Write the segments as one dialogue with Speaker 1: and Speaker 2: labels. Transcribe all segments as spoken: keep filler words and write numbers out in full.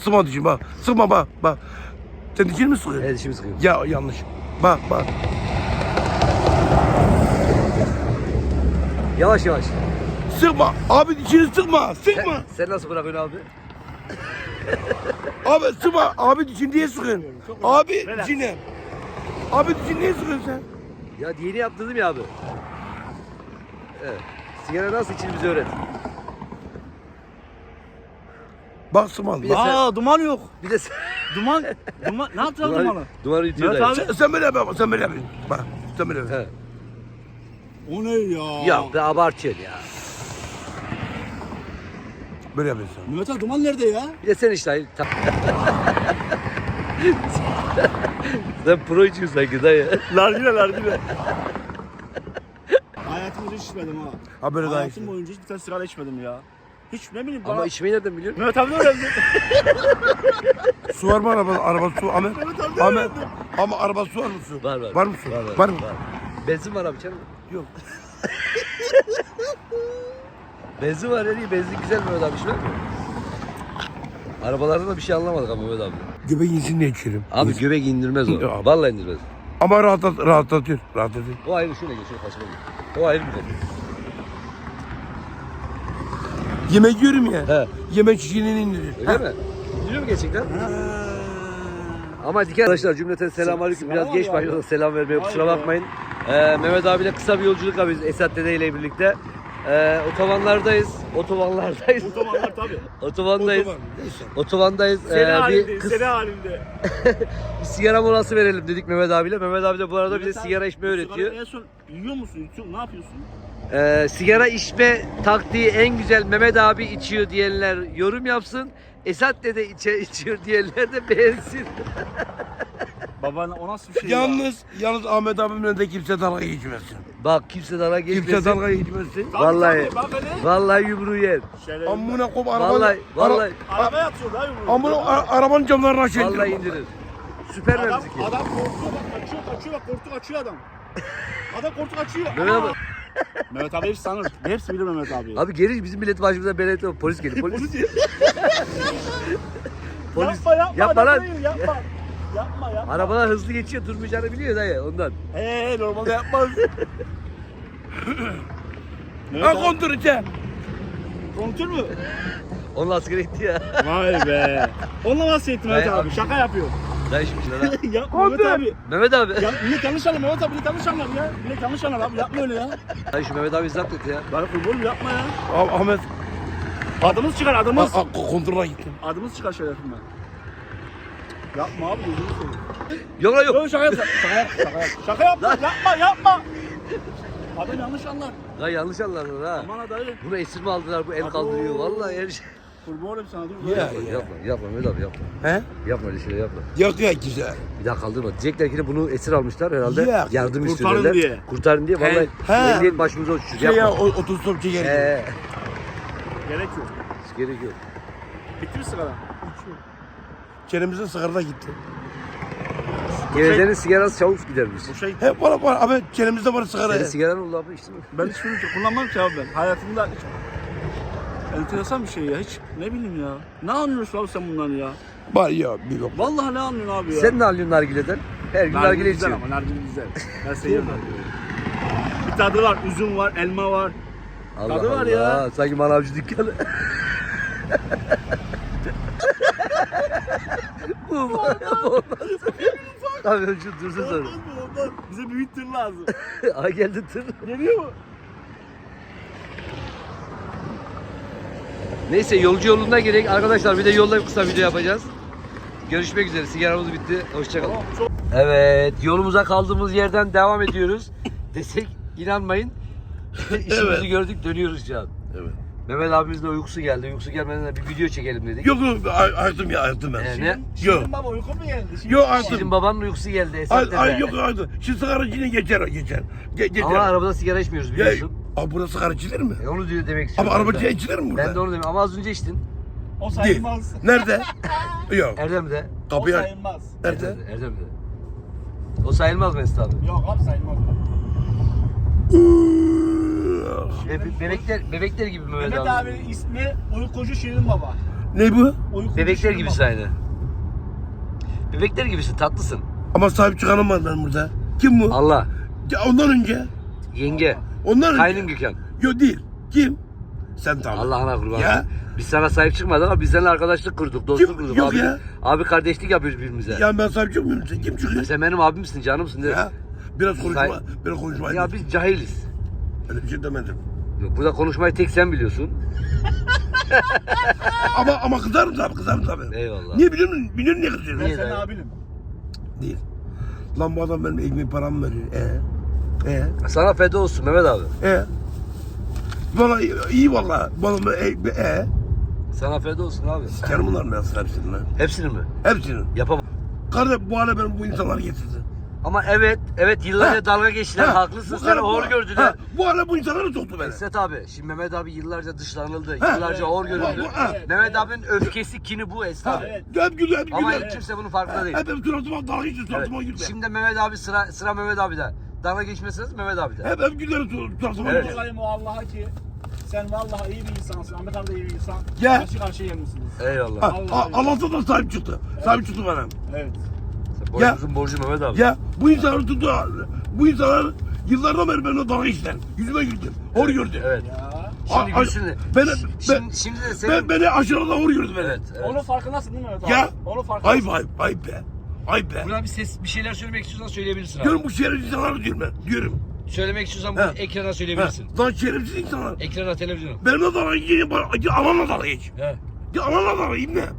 Speaker 1: Sıkma dişini bak. Sıkma bak bak. Sen dişini mi sıkıyorsun?
Speaker 2: Evet dişimi sıkıyorum.
Speaker 1: Ya yanlış. Bak bak.
Speaker 2: Yavaş yavaş.
Speaker 1: Sıkma. Abi dişini sıkma. Sıkma.
Speaker 2: Sen, sen nasıl bırakıyorsun abi?
Speaker 1: Abi sıkma. Abi dişini niye sıkıyorsun? Abi dişini. Abi dişini niye sıkıyorsun sen?
Speaker 2: Ya yeni yaptırdım ya abi. Evet. Sigara nasıl içilir bize öğret.
Speaker 1: Bak sıkma.
Speaker 2: Bir de
Speaker 1: Bak.
Speaker 2: sen-
Speaker 3: Aa duman yok.
Speaker 2: Bir de sen...
Speaker 3: Duman, duman ne yapacağız dumanı?
Speaker 2: Duvarı, duvarı yutuyor
Speaker 3: Evet
Speaker 2: dayı.
Speaker 3: abi.
Speaker 1: Sen, sen böyle yap. bak, Sen böyle yap. Bak. Sen böyle yap.
Speaker 2: He.
Speaker 3: O ne ya?
Speaker 2: Ya be abartıyorsun ya.
Speaker 1: Böyle yapıyorsun.
Speaker 3: Mehmet abi duman nerede ya?
Speaker 2: Bir de sen işte. Ta- sen pro içiyorsun sanki dayı.
Speaker 3: Nargile nargile. Hayatımda hiç içmedim ha.
Speaker 1: Ha böyle daha iyi.
Speaker 3: Hayatım boyunca hiç bir tane sigara içmedim ya. Hiç ne bileyim bana.
Speaker 2: Ama içmeyi nereden biliyorsun?
Speaker 3: Mehmet abi de öğrendi.
Speaker 1: Su var mı araba? Araba su. Ahmet.
Speaker 3: Mehmet abi de
Speaker 1: Ahmet.
Speaker 3: öğrendi.
Speaker 1: Ama araba su var mı su?
Speaker 2: Var var.
Speaker 1: Var mı su?
Speaker 2: Var var.
Speaker 1: Var mı?
Speaker 2: Benzin var abi canım.
Speaker 1: Yok.
Speaker 2: Benzin var ya iyi. Benzin güzel Mehmet abi içmez mi? Arabalarda da bir şey anlamadık ama Mehmet abi.
Speaker 1: Göbek insin diye içerim.
Speaker 2: Abi göbek indirmez o.
Speaker 1: Ya.
Speaker 2: Vallahi indirmez.
Speaker 1: Ama rahatlat, rahatlatıyor. Rahatlatıyor.
Speaker 2: O ayrı şöyle geçiyor kaçma gibi. O ayrı bir konu.
Speaker 1: Yemek yiyorum ya.
Speaker 2: He.
Speaker 1: Yemek şişini indiriyor.
Speaker 2: Öyle mi? İndiriyor mu gerçekten? Ama dikkat arkadaşlar cümleten selamünaleyküm. Biraz
Speaker 3: Selam
Speaker 2: geç
Speaker 3: abi.
Speaker 2: başladık selam vermeye kusura
Speaker 3: Vay be.
Speaker 2: bakmayın. Ee, Mehmet abiyle kısa bir yolculuk yapıyoruz Esat Dede ile birlikte. Ee, otobanlardayız. Otobanlardayız.
Speaker 3: Otobanlar tabii.
Speaker 2: Otobandayız.
Speaker 1: Otoban, neyse.
Speaker 2: Otobandayız.
Speaker 3: Seri
Speaker 2: Ee, bir,
Speaker 3: halinde,
Speaker 2: kız,
Speaker 3: seri halinde.
Speaker 2: bir sigara molası verelim dedik Mehmet abiyle. Mehmet abi de bu arada bize
Speaker 3: Mehmet abi,
Speaker 2: sigara içmeyi
Speaker 3: sigara
Speaker 2: öğretiyor.
Speaker 3: En son yiyor musun? Yutuyor, ne yapıyorsun?
Speaker 2: Ee, sigara içme taktiği en güzel Mehmet abi içiyor diyenler yorum yapsın. Esat Dede içe, içiyor diyenler de beğensin.
Speaker 3: Baban o nasıl bir şey ya?
Speaker 1: Yalnız, yalnız Ahmet abimle de kimse dalga geçmesin.
Speaker 2: Bak kimse dalga geçmesin.
Speaker 1: Kimse dalga geçmesin.
Speaker 3: Tabii,
Speaker 2: Vallahi.
Speaker 3: tabii, bak hele.
Speaker 2: Vallahi yumruğu yer.
Speaker 3: Şöyle-
Speaker 1: Amına kom arabanın...
Speaker 2: Vallahi vallahi
Speaker 3: Araba yatıyor da yumruğu.
Speaker 1: Amına a- arabanın camlarını aşağı
Speaker 2: vallahi
Speaker 1: indirin.
Speaker 2: indirir. Süper
Speaker 3: Adam,
Speaker 2: memzik.
Speaker 3: adam korkuyor bak kaçıyor kaçıyor bak korktu kaçıyor adam. Adam korktu kaçıyor.
Speaker 2: Mehmet abi,
Speaker 3: Aa! Mehmet abi hepsi sanır. Hepsi bilir Mehmet abi.
Speaker 2: abi geri bizim millet başımıza belediye polis geliyor. Polis.
Speaker 3: Polis.
Speaker 2: Polis.
Speaker 3: Yapma yapma.
Speaker 2: Yapma
Speaker 3: adam
Speaker 2: lan.
Speaker 3: değil, Yapma. Yapma yapma.
Speaker 2: Arabalar hızlı geçiyor durmayacağını biliyor dayı ondan.
Speaker 3: Eee normalde yapmaz. Mehmet
Speaker 1: Ha
Speaker 3: abi.
Speaker 1: kontur içe.
Speaker 3: Kontür mü?
Speaker 2: Onunla askere gitti ya.
Speaker 3: Vay be. Onunla nasıl ettin Mehmet
Speaker 2: Dayı
Speaker 3: abi?
Speaker 2: abi.
Speaker 3: Şaka yapıyor.
Speaker 2: Dayı şimdi lan.
Speaker 3: ya Mehmet abi.
Speaker 2: Mehmet abi.
Speaker 3: Ya millet yanlış anlar Mehmet abi. Millet yanlış anlar ya. Millet yanlış anlar abi. Yapma öyle ya.
Speaker 2: Dayı şu Mehmet abi zapt et ya.
Speaker 3: Bana kurban yapma ya.
Speaker 1: Ah- Ahmet,
Speaker 3: Adımız çıkar adımız.
Speaker 1: a- a- kontrola gittim.
Speaker 3: Adımız çıkar şerefimden. Yapma abi gözünü seveyim.
Speaker 2: Yok lan yok.
Speaker 3: Yok şaka yap. Şaka yap. Şaka yap. Şaka yapma. Yapma yapma. Adam yanlış anlar.
Speaker 2: Dayı yanlış anladın ha.
Speaker 3: Aman ha dayı.
Speaker 2: Bunu esir mi aldılar bu el
Speaker 3: Abo.
Speaker 2: kaldırıyor. Vallahi her şey.
Speaker 3: Kurban olayım sana dur.
Speaker 1: Ya,
Speaker 3: Yapma.
Speaker 1: ya.
Speaker 2: Yapma yapma Mehmet abi yapma.
Speaker 1: He?
Speaker 2: Yapma öyle şeyler yapma.
Speaker 1: Yok ya güzel.
Speaker 2: Bir daha kaldırma. Diyecekler ki de bunu esir almışlar herhalde.
Speaker 1: Ya,
Speaker 2: Yardım
Speaker 3: kurtarın
Speaker 2: istiyorlar.
Speaker 3: diye.
Speaker 2: Kurtarın diye. Vallahi
Speaker 1: He.
Speaker 2: emniyet başımıza uçuşur.
Speaker 1: Şey ya
Speaker 2: Yapma.
Speaker 1: o- otostop çeker.
Speaker 2: Ee,
Speaker 3: Gerek yok.
Speaker 2: gerek yok.
Speaker 3: Bitti mi sigara?
Speaker 1: Çenemizin sigarada gitti.
Speaker 2: Gevezenin sigarası çabuk gidermiş.
Speaker 3: Bu şey
Speaker 1: Hep var var abi çenemizde var sigara.
Speaker 2: Senin sigaran oldu abi içtin mi?
Speaker 3: ben hiç bunu kullanmam ki abi ben. Hayatımda hiç enteresan bir şey ya. Hiç ne bileyim ya. Ne anlıyorsun abi sen bundan ya?
Speaker 1: Var ya bir yok.
Speaker 3: Vallahi ne anlıyorsun abi ya?
Speaker 2: Sen ne alıyorsun nargileden? Her gün nargile
Speaker 3: Nargile güzel
Speaker 2: içiyorsun.
Speaker 3: ama nargile güzel. Ben seviyorum nargileyi. Bir tadı var, üzüm var, elma var.
Speaker 2: Allah
Speaker 3: Tadı var
Speaker 2: Allah.
Speaker 3: ya.
Speaker 2: Sanki manavcı dükkanı. bu bu bu olmaz. Abi önce dursun sonra.
Speaker 3: Olmaz mı olmaz. Bize büyük tır lazım.
Speaker 2: Ay geldi tır.
Speaker 3: Geliyor mu?
Speaker 2: Neyse yolcu yolunda gerek. Arkadaşlar bir de yolda kısa video yapacağız. Görüşmek üzere. Sigaramız bitti. Hoşçakalın.
Speaker 3: Tamam, çok...
Speaker 2: Evet, yolumuza kaldığımız yerden devam ediyoruz. Desek inanmayın. İşimizi
Speaker 1: Evet.
Speaker 2: gördük, dönüyoruz şu an.
Speaker 1: Evet.
Speaker 2: Mehmet abimizin de uykusu geldi. Uykusu gelmeden de bir video çekelim dedik.
Speaker 1: Yok yok ay- ayırdım ya ayırdım ben.
Speaker 2: Ee, ne?
Speaker 3: Şirin,
Speaker 1: Yok.
Speaker 3: Şirin baba uyku mu geldi? Şirin
Speaker 1: Yok,
Speaker 3: baba.
Speaker 1: artık-
Speaker 2: Sizin babanın uykusu geldi Esat
Speaker 1: Ay,
Speaker 2: dede.
Speaker 1: ay yok ayırdım. Şu sigara yine geçer geçer. Ge geçer.
Speaker 2: Ama arabada sigara içmiyoruz
Speaker 1: Ya,
Speaker 2: biliyorsun.
Speaker 1: abi burası sigara içilir mi?
Speaker 2: E, onu diyor demek
Speaker 1: Abi
Speaker 2: istiyorum.
Speaker 1: araba
Speaker 2: ben de.
Speaker 1: içilir mi burada?
Speaker 2: Ben de onu demiyorum ama az önce içtin.
Speaker 3: O
Speaker 1: Değil.
Speaker 3: sayılmaz.
Speaker 1: Nerede? Yok.
Speaker 2: Erdem'de.
Speaker 3: O
Speaker 1: Kapıyı aç.
Speaker 3: sayılmaz.
Speaker 1: Nerede?
Speaker 2: Erdem'de. Erdem'de. O sayılmaz Mesut abi.
Speaker 3: Yok abi sayılmaz.
Speaker 2: Be- bebekler, bebekler gibi Mehmet,
Speaker 3: Mehmet
Speaker 2: abi.
Speaker 3: abinin ismi uykucu Şirin baba.
Speaker 1: Ne bu?
Speaker 3: Uyku
Speaker 2: Bebekler
Speaker 3: düşürme.
Speaker 2: gibisin aynı. Bebekler gibisin, tatlısın.
Speaker 1: Ama sahip çıkanım var ben burada. Kim bu?
Speaker 2: Allah,
Speaker 1: Ya ondan önce.
Speaker 2: yenge,
Speaker 1: Ondan önce.
Speaker 2: kaynın Gökhan.
Speaker 1: Yok değil. Kim? Sen tamam.
Speaker 2: Allah'ına kurban.
Speaker 1: Ya.
Speaker 2: Biz sana sahip çıkmadık ama biz seninle arkadaşlık kurduk, dostluk
Speaker 1: Kim?
Speaker 2: kurduk.
Speaker 1: Yok
Speaker 2: abi,
Speaker 1: ya.
Speaker 2: abi kardeşlik yapıyoruz birbirimize.
Speaker 1: Ya ben sahip çıkmıyorum. Sen kim çıkıyor?
Speaker 2: Sen benim abimsin, canımsın. değil mi?
Speaker 1: Ya. Biraz konuşma.
Speaker 2: Say-
Speaker 1: Biraz konuşma.
Speaker 2: Ya biz cahiliz.
Speaker 1: Öyle bir şey demedim.
Speaker 2: Yok, burada konuşmayı tek sen biliyorsun.
Speaker 1: ama ama kızarım tabii, kızarım tabii.
Speaker 2: Eyvallah.
Speaker 1: Niye biliyor musun? Biliyor musun niye kızıyorum?
Speaker 3: Ben
Speaker 2: Niye
Speaker 3: senin
Speaker 2: dayı?
Speaker 3: abinim.
Speaker 1: Değil. Lan bu adam benim ekmeği paramı veriyor. Ee? Ee?
Speaker 2: Sana feda olsun Mehmet abi.
Speaker 1: Ee? Valla iyi valla. Bana e, e.
Speaker 2: Sana feda olsun abi.
Speaker 1: Sikerim bunlar mı yazsın hepsini lan?
Speaker 2: Hepsini mi?
Speaker 1: Hepsini.
Speaker 2: Yapamam.
Speaker 1: Kardeş bu hale benim bu insanlar getirdi.
Speaker 2: Ama evet, evet yıllarca
Speaker 1: Ha.
Speaker 2: dalga geçtiler,
Speaker 1: Ha,
Speaker 2: haklısın.
Speaker 1: bu
Speaker 2: Seni
Speaker 1: hale-
Speaker 2: hor
Speaker 1: bu-
Speaker 2: gördüler.
Speaker 1: ha, Bu hale bu insanları soktu beni.
Speaker 2: Esret abi, şimdi Mehmet abi yıllarca dışlanıldı,
Speaker 1: Ha.
Speaker 2: yıllarca hor görüldü.
Speaker 1: Bu- ha.
Speaker 2: Mehmet abinin öfkesi, kini bu Esret
Speaker 1: Ha,
Speaker 2: abi.
Speaker 3: Evet.
Speaker 1: hep gülüyor, hep
Speaker 2: Ama
Speaker 1: gülüyor.
Speaker 2: hiç kimse bunun farkında değil.
Speaker 1: Hep hep suratıma dalga geçiyor,
Speaker 2: Evet.
Speaker 1: suratıma gülüyor.
Speaker 2: Şimdi Mehmet abi sıra sıra Mehmet abi'de. Dalga geçmesiniz Mehmet abi'de.
Speaker 1: Hep hep gülüyor, suratıma
Speaker 2: Evet.
Speaker 1: gülüyor.
Speaker 3: Olayım o Allah'a ki sen vallahi iyi bir insansın. Ahmet abi de iyi bir insan.
Speaker 1: Ya.
Speaker 3: Karşı karşıya gelmişsiniz.
Speaker 2: Eyvallah.
Speaker 1: Ha, ha, Allah'tan da sahip çıktı. Sahip çıktı bana.
Speaker 3: Evet.
Speaker 2: Boynumuzun borcu Mehmet abi.
Speaker 1: Ya bu insanlar tuttu. Bu insanlar yıllardan beri benimle dalga geçtiler. Yüzüme güldü. Hor gördü.
Speaker 2: Evet.
Speaker 3: Ya.
Speaker 2: Şimdi
Speaker 1: A- a-
Speaker 2: gülsün de.
Speaker 1: beni-
Speaker 2: Şimdi,
Speaker 1: ben-
Speaker 2: şimdi de senin...
Speaker 1: Ben, beni aşağıda hor gördü beni.
Speaker 2: Evet, evet.
Speaker 3: Onun farkındasın değil mi Mehmet abi?
Speaker 1: Ya.
Speaker 3: Onun farkındasın.
Speaker 1: Ayıp ayıp ayıp be. Ayıp be.
Speaker 2: Buna bir ses, bir şeyler söylemek istiyorsan söyleyebilirsin abi.
Speaker 1: Diyorum bu şerefsiz insanlar diyorum ben. Diyorum.
Speaker 2: Söylemek istiyorsan
Speaker 1: Ha.
Speaker 2: bunu ekrana
Speaker 1: Ha,
Speaker 2: söyleyebilirsin.
Speaker 1: lan şerefsiz insanlar.
Speaker 2: Ekrana, televizyona.
Speaker 1: Benimle dalga geçiyor. bana- Anamla dalga geç.
Speaker 2: He.
Speaker 1: Ya anamla dalga geç ne?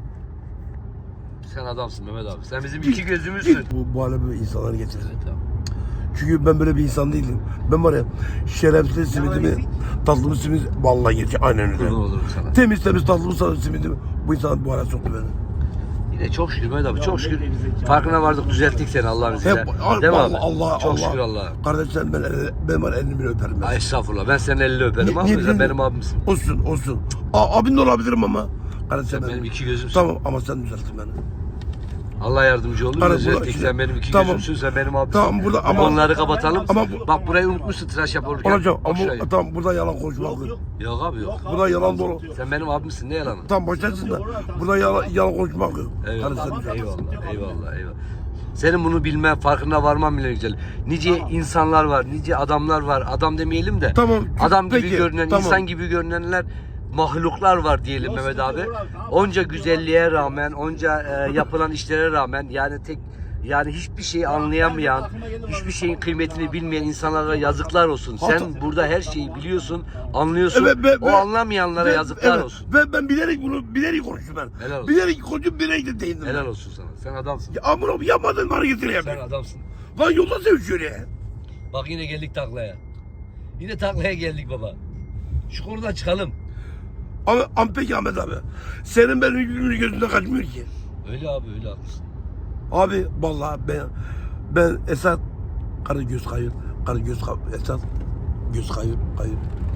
Speaker 2: Sen adamsın Mehmet abi. Sen bizim iki gözümüzsün.
Speaker 1: Bu, bu hale böyle insanları getirdi.
Speaker 2: Evet abi.
Speaker 1: Çünkü ben böyle bir insan değilim. Ben var ya şerefsiz simidimi, tatlımı simit, vallahi gerçek aynen öyle.
Speaker 2: Kurban olurum sana.
Speaker 1: Temiz temiz tatlımı sarı simidimi, bu insan bu hale soktu beni.
Speaker 2: Yine çok şükür Mehmet abi,
Speaker 3: Ya
Speaker 2: çok
Speaker 3: ne
Speaker 2: şükür.
Speaker 3: gerizekalı.
Speaker 2: Farkına vardık, düzelttik seni Allah'ın izniyle.
Speaker 1: Hep,
Speaker 2: Değil mi abi?
Speaker 1: Allah, Allah,
Speaker 2: Çok
Speaker 1: Allah.
Speaker 2: şükür Allah'a.
Speaker 1: Kardeşlerim ben, ben var elini bile öperim ben.
Speaker 2: Ay estağfurullah, ben senin elini öperim
Speaker 1: Ni-
Speaker 2: ama
Speaker 1: ni-
Speaker 2: sen
Speaker 1: ni-
Speaker 2: benim abimsin.
Speaker 1: Olsun olsun. A, abin de olabilirim ama. Kardeşim
Speaker 2: Sen benim iki gözümsün.
Speaker 1: Tamam ama sen düzelttin beni.
Speaker 2: Allah yardımcı olur.
Speaker 1: Kardeş,
Speaker 2: Düzelttik,
Speaker 1: burada-
Speaker 2: sen benim iki
Speaker 1: Tamam.
Speaker 2: gözümsün, sen benim abimsin.
Speaker 1: Tamam, burada
Speaker 2: Bu
Speaker 1: ama-
Speaker 2: konuları kapatalım.
Speaker 1: Ama bu-
Speaker 2: Bak burayı unutmuşsun tıraş yapılırken.
Speaker 1: Olacak
Speaker 2: Bak
Speaker 1: ama
Speaker 2: şurayı.
Speaker 1: tamam burada yalan konuşmak
Speaker 3: Yok
Speaker 1: yok.
Speaker 3: yok.
Speaker 2: Yok abi yok.
Speaker 1: Bu da yalan dolu.
Speaker 2: Sen benim abimsin, ne yalanı?
Speaker 1: Tamam başlasın da burada yalan, yalan konuşmak yok.
Speaker 2: Eyvallah,
Speaker 1: Kardeşim düzelttin.
Speaker 2: eyvallah, eyvallah, eyvallah. Senin bunu bilmen, farkına varman bile güzel. Nice insanlar var, nice adamlar var. Adam demeyelim de.
Speaker 1: Tamam,
Speaker 2: Adam gibi
Speaker 1: peki,
Speaker 2: görünen,
Speaker 1: tamam.
Speaker 2: insan gibi görünenler, mahluklar var diyelim Mehmet abi.
Speaker 3: sıkıntı yok abi, tamam.
Speaker 2: Onca güzelliğe rağmen, onca e, yapılan işlere rağmen yani tek yani hiçbir şeyi anlayamayan, hiçbir şeyin kıymetini bilmeyen insanlara yazıklar olsun. Sen
Speaker 1: Hatta-
Speaker 2: burada her şeyi biliyorsun, anlıyorsun.
Speaker 1: Evet, ben-
Speaker 2: o
Speaker 1: ben-
Speaker 2: anlamayanlara
Speaker 1: Ben-
Speaker 2: yazıklar
Speaker 1: evet,
Speaker 2: olsun.
Speaker 1: Ben, ben bilerek bunu bilerek konuştum ben.
Speaker 2: Helal olsun.
Speaker 1: Bilerek konuşup bilerek de değindim.
Speaker 2: Helal
Speaker 1: ben.
Speaker 2: olsun sana. Sen adamsın.
Speaker 1: Ya amına koyayım, yapmadığın hareketleri
Speaker 2: Sen
Speaker 1: yapıyorum.
Speaker 2: adamsın.
Speaker 1: Lan yolda sevişiyor ya.
Speaker 2: Bak yine geldik taklaya. Yine taklaya geldik baba. Şu konudan çıkalım.
Speaker 1: Ama, ama peki Ahmet abi. Senin benim yüzümün gözünde kaçmıyor ki.
Speaker 2: Öyle abi, öyle haklısın.
Speaker 1: Abi vallahi ben ben Esat karı göz kayır, karı göz kayır, Esat göz kayır, kayır.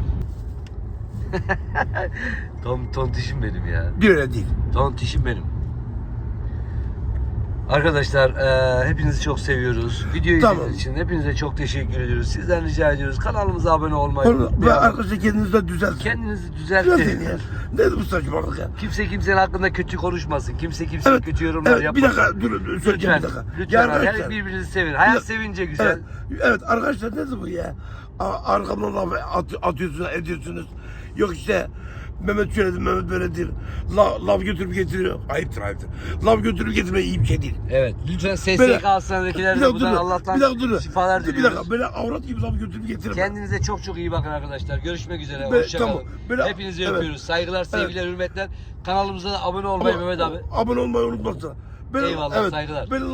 Speaker 2: Ton, tontişim benim ya.
Speaker 1: Bir öyle değil.
Speaker 2: Tontişim benim. Arkadaşlar eee, hepinizi çok seviyoruz. Videoyu
Speaker 1: Tamam.
Speaker 2: izlediğiniz için hepinize çok teşekkür ediyoruz. Sizden rica ediyoruz. Kanalımıza abone olmayı
Speaker 1: Onu, ve
Speaker 2: unutmayın.
Speaker 1: arkadaşlar kendinizi de düzeltin.
Speaker 2: Kendinizi
Speaker 1: Düzeltin
Speaker 2: düzeltin.
Speaker 1: ya. Nedir bu saçmalık ya?
Speaker 2: Kimse kimsenin hakkında kötü konuşmasın. Kimse kimseye
Speaker 1: Evet,
Speaker 2: kötü yorumlar
Speaker 1: evet, bir
Speaker 2: yapmasın.
Speaker 1: dakika dur, dur söyleyeceğim
Speaker 2: Lütfen,
Speaker 1: bir dakika.
Speaker 2: lütfen
Speaker 1: Ya
Speaker 2: abi,
Speaker 1: arkadaşlar,
Speaker 2: her birbirinizi sevin. Hayat
Speaker 1: Bir-
Speaker 2: sevince güzel.
Speaker 1: Evet, evet arkadaşlar nedir bu ya? A- Arkamdan laf at, atıyorsunuz, ediyorsunuz. Yok işte Mehmet şöyledir, Mehmet böyledir. La, laf götürüp getiriyor. Ayıptır, ayıptır. Laf götürüp getirmek iyi bir şey değil.
Speaker 2: Evet. Lütfen S
Speaker 1: Böyle-
Speaker 2: S K hastanedekilerine
Speaker 1: Bir dakika
Speaker 2: buradan
Speaker 1: dur,
Speaker 2: Allah'tan
Speaker 1: bir dakika dur.
Speaker 2: şifalar
Speaker 1: Bir
Speaker 2: diliyoruz.
Speaker 1: dakika, böyle avrat gibi laf götürüp getirme.
Speaker 2: Kendinize çok çok iyi bakın arkadaşlar. Görüşmek üzere.
Speaker 1: Böyle-
Speaker 2: Hoşçakalın.
Speaker 1: tamam, böyle-
Speaker 2: Hepinizi
Speaker 1: evet.
Speaker 2: öpüyoruz. Saygılar, sevgiler, hürmetler. Kanalımıza da abone olmayı
Speaker 1: Ama-
Speaker 2: Mehmet abi.
Speaker 1: Abone olmayı unutmasın. Ben,
Speaker 2: Eyvallah, saygılar.
Speaker 1: Ben